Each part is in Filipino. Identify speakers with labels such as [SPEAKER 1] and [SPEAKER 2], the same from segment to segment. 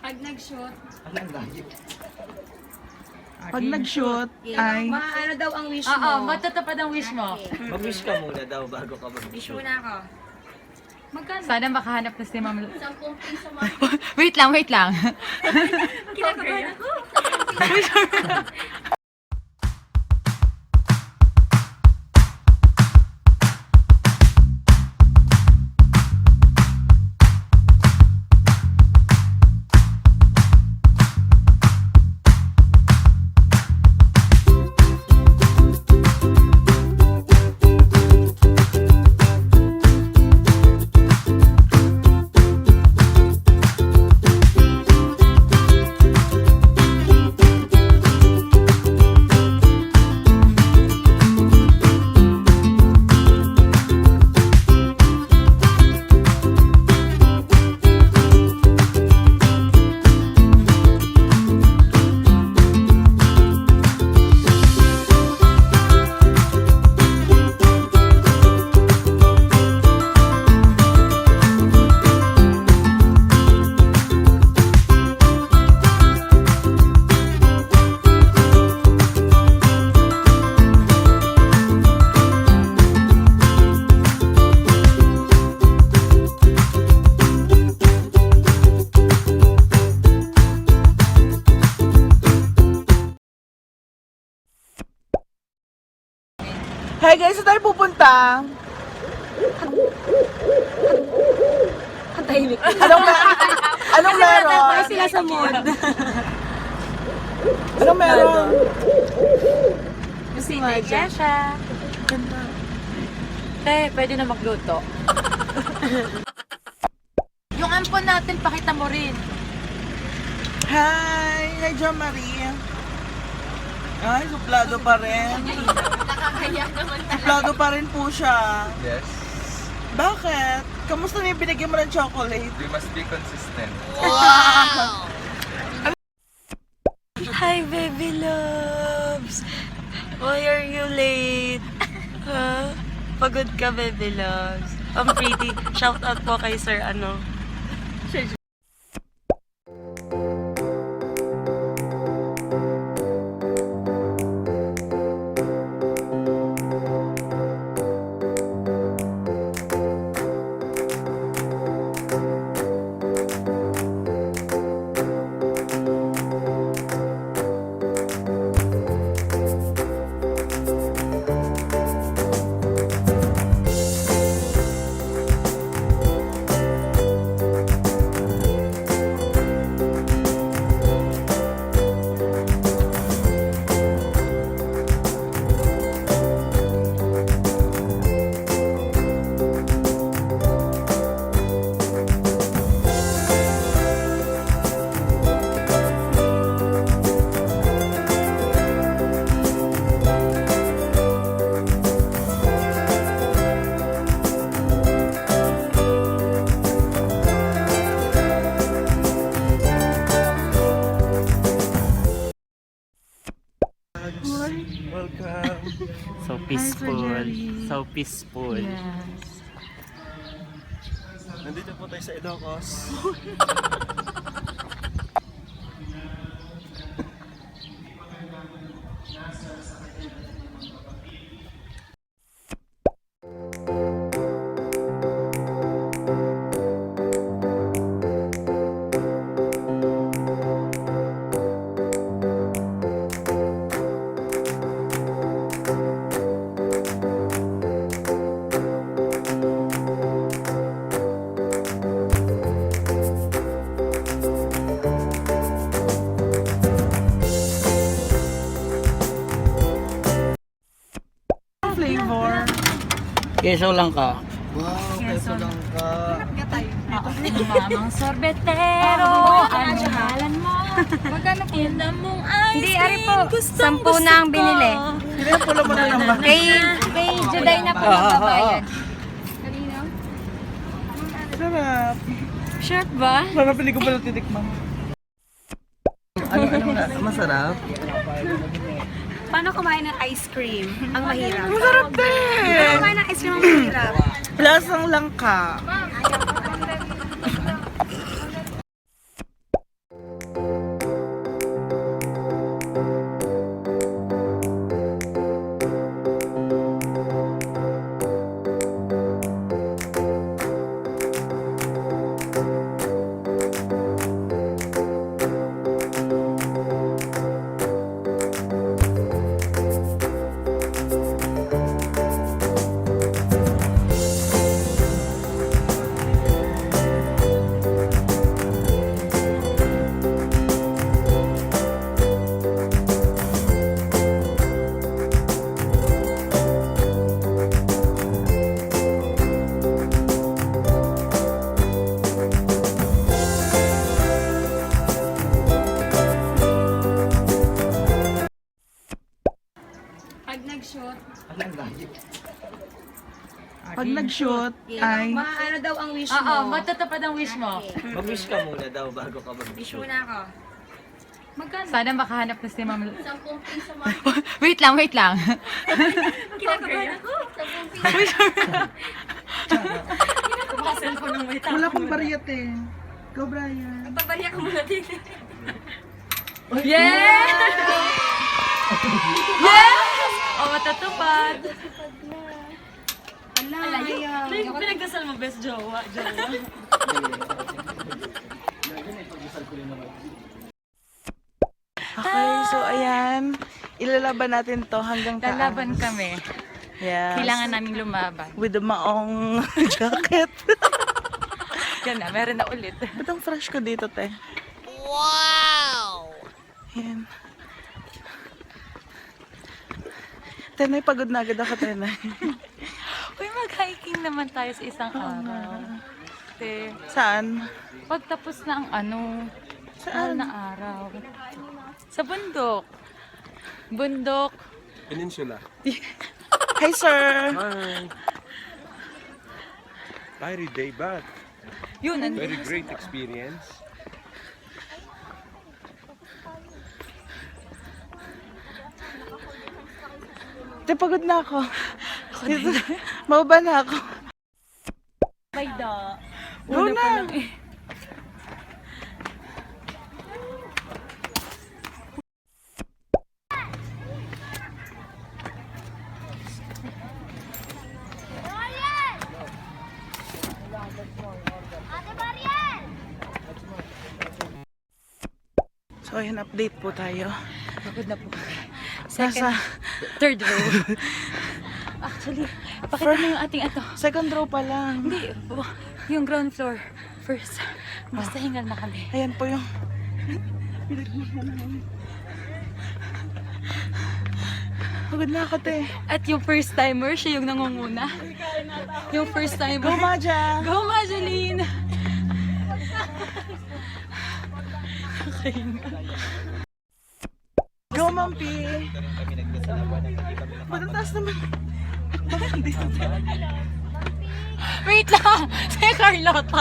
[SPEAKER 1] Pag nag-shoot,
[SPEAKER 2] Pag nag-shoot, ay...
[SPEAKER 1] ano daw ang wish mo?
[SPEAKER 3] Oo, matutupad ang wish mo.
[SPEAKER 4] Mag-wish ka muna daw bago ka
[SPEAKER 1] Wish
[SPEAKER 4] mag-wish.
[SPEAKER 1] muna ako. Magkano?
[SPEAKER 3] Sana makahanap na si Ma'am.
[SPEAKER 1] 10 piso mga.
[SPEAKER 3] Wait lang, wait lang.
[SPEAKER 1] Kinakabahan ako.
[SPEAKER 2] Hey guys, saan tayo pupunta?
[SPEAKER 1] Tahimik.
[SPEAKER 2] Anong meron?
[SPEAKER 1] Sila sa mood.
[SPEAKER 2] Anong meron?
[SPEAKER 3] Si Kesha. Pwede na magluto. Yung ampon natin, pakita mo rin.
[SPEAKER 2] Hi! Hi, Jo Marie. Ay, suplado pa rin.
[SPEAKER 1] Nakakaya naman talaga.
[SPEAKER 2] Suplado pa rin po siya.
[SPEAKER 4] Yes.
[SPEAKER 2] Bakit? Kamusta na yung binigyan mo ng chocolate?
[SPEAKER 4] We must be consistent.
[SPEAKER 5] Hi, baby loves! Why are you late? Huh? Pagod ka, baby loves. I'm pretty. Shout out po kay Sir ano.
[SPEAKER 2] Welcome.
[SPEAKER 6] So peaceful. So peaceful.
[SPEAKER 2] Nandito po tayo sa Ilocos. Flavor.
[SPEAKER 6] Keso lang ka.
[SPEAKER 2] Wow, peso lang ka.
[SPEAKER 3] Mamang sorbetero, ang pangalan mo. Magkano po?
[SPEAKER 1] Hindi, ari po. 10 na ang binili.
[SPEAKER 2] Pula mo na naman.
[SPEAKER 1] Kay Juday na po magbabayad. Kanino?
[SPEAKER 2] Sarap.
[SPEAKER 1] Sharp ba?
[SPEAKER 2] Sarap, hindi ko pala titikman. Anong masarap?
[SPEAKER 1] Paano kumain ng ice cream? Ang mahirap.
[SPEAKER 2] Masarap
[SPEAKER 1] Paano
[SPEAKER 2] din!
[SPEAKER 1] kumain ng ice cream ang mahirap?
[SPEAKER 2] Lasang langka. Pag nag-shoot, ay...
[SPEAKER 1] Ano daw ang wish
[SPEAKER 3] Oo,
[SPEAKER 1] mo?
[SPEAKER 3] matatapad ang wish mo.
[SPEAKER 4] Mag-wish ka muna daw bago ka
[SPEAKER 1] Wish
[SPEAKER 4] mag-shoot.
[SPEAKER 1] mo na ako.
[SPEAKER 3] Sana makahanap na si Ma'am. Wait lang, wait lang.
[SPEAKER 1] Kinakabahan ako.
[SPEAKER 2] Wala pang bariyate. Go, Brian.
[SPEAKER 1] Pabariya ka muna din.
[SPEAKER 3] Yes! Yes! Oh, matatupad.
[SPEAKER 5] Pinagdasal mo, best jowa.
[SPEAKER 2] Okay, so ayan. Ilalaban natin to hanggang taas.
[SPEAKER 3] Lalaban kami.
[SPEAKER 2] Yes.
[SPEAKER 3] Kailangan naming lumaban.
[SPEAKER 2] With the maong jacket.
[SPEAKER 3] Yan na, meron na ulit.
[SPEAKER 2] Ba't ang fresh ko dito, te? Wow! Yan. Tenay, pagod na agad ako, Tenay.
[SPEAKER 3] Uy, mag-hiking naman tayo sa isang araw. Te,
[SPEAKER 2] Saan?
[SPEAKER 3] pagtapos na ang mahal na araw. Sa bundok. Bundok.
[SPEAKER 7] Peninsula.
[SPEAKER 2] Hi, sir!
[SPEAKER 7] Hi. Very day back.
[SPEAKER 3] Yun,
[SPEAKER 7] Very great experience.
[SPEAKER 2] Te, pagod na ako. Mababa na ako. Go na! So, ayan, update po tayo.
[SPEAKER 3] Pagod na po.
[SPEAKER 2] Nasa
[SPEAKER 3] Third row. Actually, pakita mo yung ating
[SPEAKER 2] second row pa lang.
[SPEAKER 3] Hindi, yung ground floor. First. Basta hingal na kami.
[SPEAKER 2] Ayan po yung... Pagod na ako, te.
[SPEAKER 3] At yung first timer, siya yung nangunguna. Yung first timer.
[SPEAKER 2] Go, Maja!
[SPEAKER 3] Go, Majeline!
[SPEAKER 2] Go, Mampi! Ba't ang taas naman? Bakit hindi?
[SPEAKER 3] Wait lang! Si Carlota!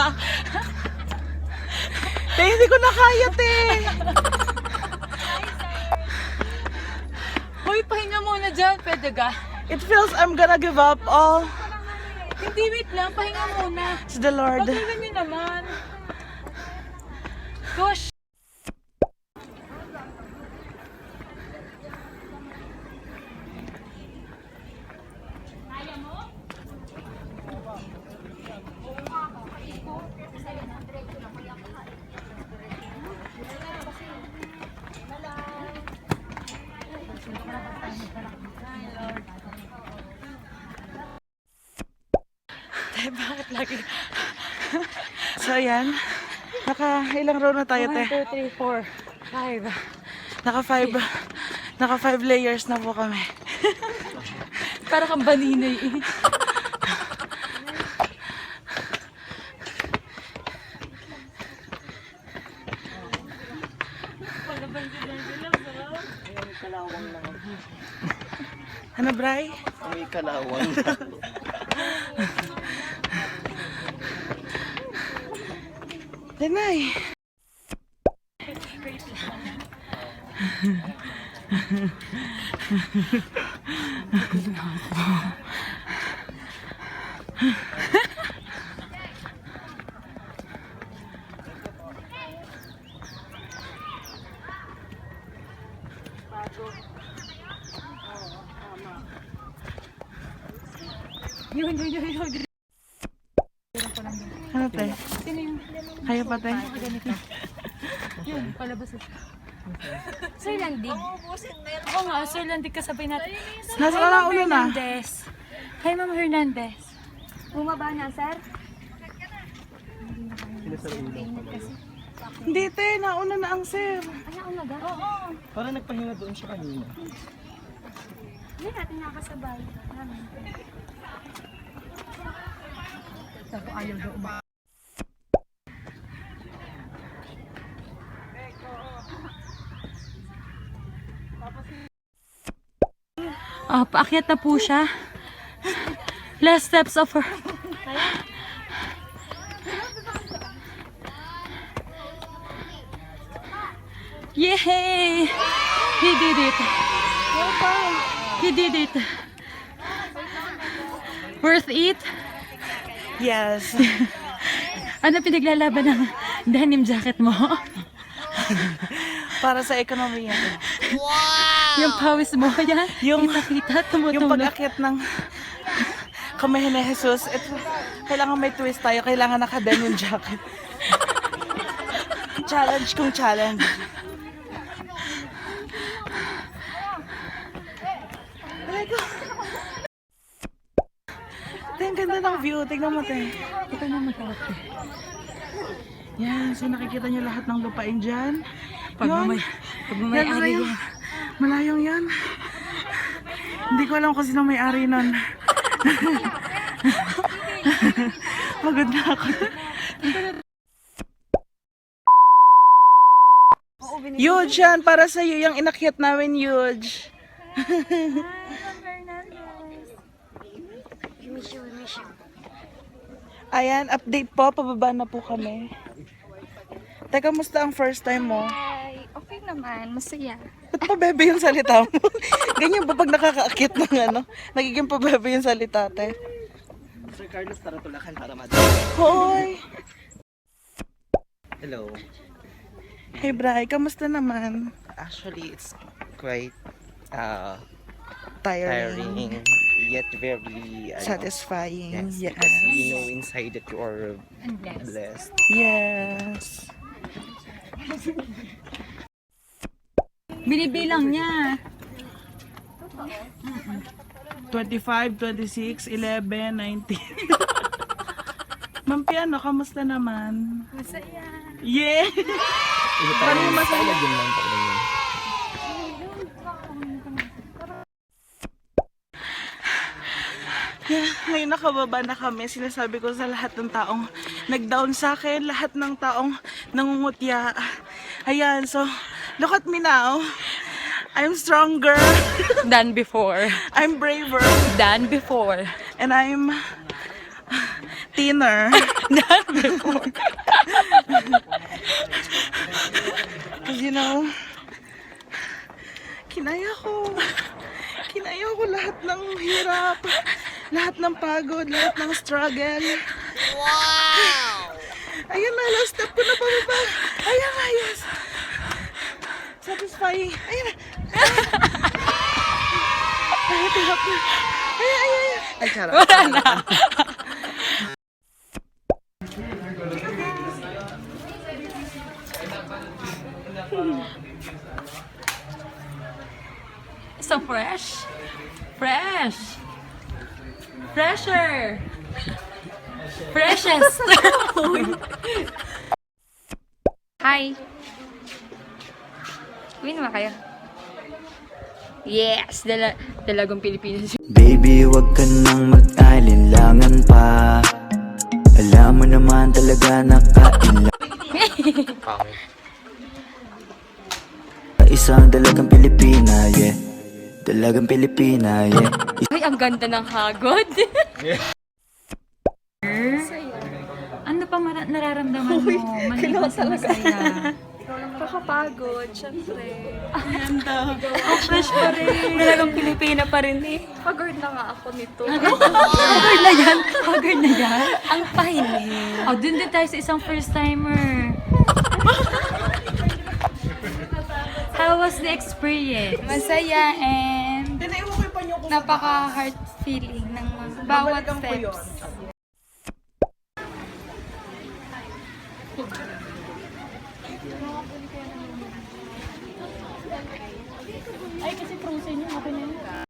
[SPEAKER 2] Te, hindi ko na kaya, te!
[SPEAKER 3] Hoy, pahinga muna dyan. Pwede ka?
[SPEAKER 2] It feels I'm gonna give up all.
[SPEAKER 3] Hindi, wait lang. Pahinga muna.
[SPEAKER 2] It's the Lord.
[SPEAKER 3] Paghinga nyo naman. Gosh!
[SPEAKER 2] Bakit lagi? So, ayan. Ilang row na tayo,
[SPEAKER 3] 1,
[SPEAKER 2] te?
[SPEAKER 3] 2, 3, 4, 5.
[SPEAKER 2] Naka 5 layers na po kami.
[SPEAKER 3] Para kang baninay eh.
[SPEAKER 2] Ano, Bray?
[SPEAKER 4] May kalawang.
[SPEAKER 2] Denay.
[SPEAKER 3] Yun.
[SPEAKER 2] Ano, te?
[SPEAKER 3] Sino yung
[SPEAKER 2] Kaya pa, te?
[SPEAKER 3] ganito? Yun, palabas ito.
[SPEAKER 1] Sir Landig.
[SPEAKER 3] Oo nga, Sir Landig kasabay natin.
[SPEAKER 2] Nasa
[SPEAKER 3] Hi, Ma'am
[SPEAKER 2] kalauna na.
[SPEAKER 3] Hernandez. Hi, Ma'am Hernandez.
[SPEAKER 1] Bumaba na, sir?
[SPEAKER 2] Hindi, te. Nauna na ang sir.
[SPEAKER 1] Ay, nauna ba?
[SPEAKER 4] Parang nagpahinga doon siya kanina.
[SPEAKER 1] Hindi natin nakasabay.
[SPEAKER 3] Paakyat na po siya. Last steps of her. Yay! He did it. He did it. Worth it?
[SPEAKER 2] Yes.
[SPEAKER 3] Ano pinaglalaban ng denim jacket mo?
[SPEAKER 2] Para sa ekonomiya.
[SPEAKER 3] Yung pawis mo, yan.
[SPEAKER 2] Yung-
[SPEAKER 3] Kita-kita,
[SPEAKER 2] Yung
[SPEAKER 3] tumutulog.
[SPEAKER 2] pag-akyat ng kamay ni Jesus, ito, kailangan may twist tayo. Kailangan naka-denim jacket. Challenge kung challenge. Ang ganda ng view. Tingnan mo, te.
[SPEAKER 3] Ito na mag-out.
[SPEAKER 2] Yan, so nakikita niyo lahat ng lupain dyan.
[SPEAKER 3] Pagmamay
[SPEAKER 2] Yan,
[SPEAKER 3] ari
[SPEAKER 2] malayo.
[SPEAKER 3] yan.
[SPEAKER 2] Malayong yan. Hindi ko alam kung sino may-ari nun. Pagod na ako. Huge yan, para sa'yo yung inakyat namin, huge. Ayan, update po, pababa na po kami. Teka, musta ang first time mo?
[SPEAKER 1] Ay, okay naman. Masaya.
[SPEAKER 2] Ba't pa bebe yung salita mo? Ganyan ba pag nakakaakit ng ano? Nagiging pa bebe yung salita, te?
[SPEAKER 4] Sir Carlos, tara tulakan para
[SPEAKER 2] Hoy!
[SPEAKER 4] Hello.
[SPEAKER 2] Hey, Bri, kamusta naman?
[SPEAKER 4] Actually, it's quite
[SPEAKER 2] Tiring.
[SPEAKER 4] tiring, yet very
[SPEAKER 2] Satisfying.
[SPEAKER 4] yes,
[SPEAKER 2] Yes.
[SPEAKER 4] because you know inside that you are blessed.
[SPEAKER 2] Yes.
[SPEAKER 3] Binibilang niya.
[SPEAKER 2] 25, 26, 11, 19. Ma'am Piano, kamusta naman?
[SPEAKER 1] Masaya.
[SPEAKER 2] Yeah! Parang masaya. Yeah, ngayon nakababa na kami. Sinasabi ko sa lahat ng taong nag-down sa akin, lahat ng taong nangungutya. Ayan, so, look at me now. I'm stronger.
[SPEAKER 3] Than before.
[SPEAKER 2] I'm braver.
[SPEAKER 3] Than before.
[SPEAKER 2] And I'm thinner.
[SPEAKER 3] Than before.
[SPEAKER 2] Because you know, kinaya ko. Kinaya ko lahat ng hirap. Lahat ng pagod, lahat ng struggle. Wow! Ayun na, last step ko na pababa. Ayan na, yes. Satisfying. Ayun na. Ay, hirap na. Ay. Ay, charot.
[SPEAKER 3] Wala na. So fresh. Fresh. Fresher. Freshest.
[SPEAKER 1] Hi. Uwi naman kayo. Yes! Dalagang Pilipinas.
[SPEAKER 8] Baby, wag ka nang mag-alinlangan pa. Alam mo naman talaga nakailan. Isang dalagang Pilipina, yeah. Dalagang Pilipina, yeah.
[SPEAKER 1] Ay, ang ganda ng hagod.
[SPEAKER 3] Ano pa nararamdaman mo? Maliban sa masaya.
[SPEAKER 1] Kakapagod, syempre.
[SPEAKER 3] Ang fresh pa rin.
[SPEAKER 1] Dalagang Pilipina pa rin eh. Pagod na nga ako nito.
[SPEAKER 3] Haggard na yan. Haggard na yan.
[SPEAKER 1] Ang pahinig.
[SPEAKER 3] Oh, dun din tayo sa isang first timer. How was the experience?
[SPEAKER 1] Masaya and napaka-heart feeling ng bawat steps.
[SPEAKER 3] Ay, kasi frozen yun. Okay na yun.